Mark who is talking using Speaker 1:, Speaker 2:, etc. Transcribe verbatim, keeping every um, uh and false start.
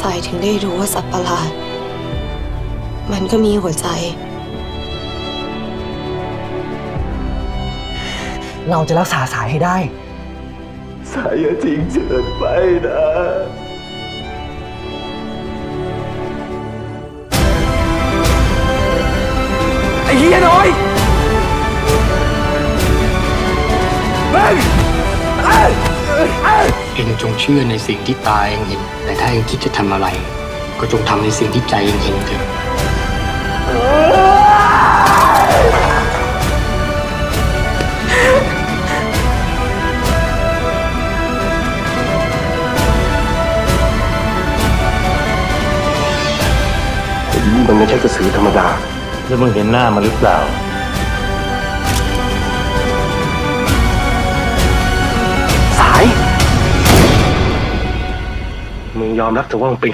Speaker 1: สายถึงได้รู้ว่าสัตว์ประหลาดมันก็มีหัวใจ
Speaker 2: เราจะรักษาสายให้ได้
Speaker 3: สายอย่าทิ้งเฉินไปนะ
Speaker 2: ไอ้เฮียน้อยเฮ้ย
Speaker 4: เองจงเชื่อในสิ่งที่ตาเองเห็นแต่ถ้าเองคิดจะทำอะไรก็จงทำในสิ่งที่ใจเองเห็นเถอะ
Speaker 3: มันไม่ใช่กระสือธรรมดา
Speaker 5: แล้วมึงเห็นหน้ามันหรือเปล่า
Speaker 3: สายมึงยอมรับเถอะว่ามึงเป็น